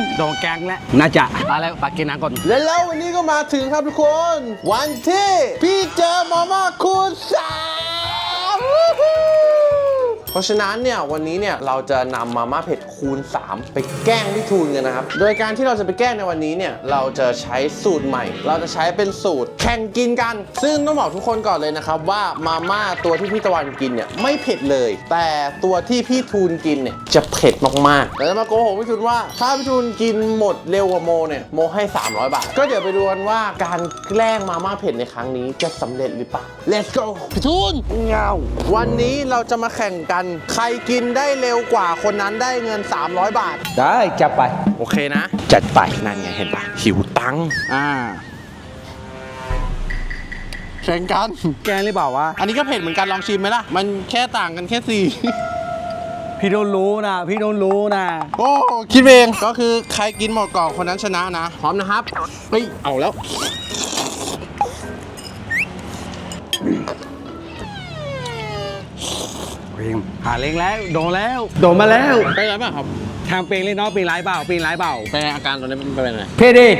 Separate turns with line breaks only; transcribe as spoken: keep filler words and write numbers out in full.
โดนแกงแล้วน่าจะมาแล้วปากกินน้ำก่อน
และแล้ววันนี้ก็มาถึงครับทุกคน วันที่พี่เจอมาม่าคูณสามเพราะฉะนั้นเนี่ยวันนี้เนี่ยเราจะนำมาม่าเผ็ดคูณสามไปแกล้งพี่ทูนกันนะครับโดยการที่เราจะไปแกล้งในวันนี้เนี่ยเราจะใช้สูตรใหม่ เราจะใช้เป็นสูตรแข่งกินกัน ซึ่งต้องบอกทุกคนก่อนเลยนะครับว่ามาม่าตัวที่พี่ตะวันกินเนี่ยไม่เผ็ดเลย แต่ตัวที่พี่ทูนกินเนี่ยจะเผ็ดมากๆแต่จะมาโกหกพี่ทูนว่าถ้าพี่ทูนกินหมดเร็วกว่าโมเนี่ยโมให้สามร้อยบาทก็เดี๋ยวไปดูกันว่าการแกล้งมาม่าเผ็ดในครั้งนี้จะสำเร็จหรือเปล่า Let's go พี่ทูนเงาวันนี้เราจะมาแข่งกันใครกินได้เร็วกว่าคนนั้นได้เงินสามร้อยบาท
ได้จัดไป
โอเคนะจัดไปนั่นไงเห็นปะหิวตังค์
อ่า
แข่งกัน
แกงหรือเปล่าวะ
อันนี้ก็เผ็ดเหมือนกันลองชิมไหมล่ะมันแค่ต่างกันแค่สี่
พี่โดนรู้นะพี่โดนรู้นะ
โอ้คิดเองก็คือใครกินหมดก่อนคนนั้นชนะนะพร้อมนะครับเฮ้ยเอาแล้ว
เพลงหาเล้งแล้วโดนแล้วโดนมาแล้ว
เป็นไรบ้างครับ
ทางเพลงเล่นน้องเพลงร้ายเปล่าเพลงร้ายเปล่า
เป็นอาการตอนนี้เป็นเป็นไง
เพลงดี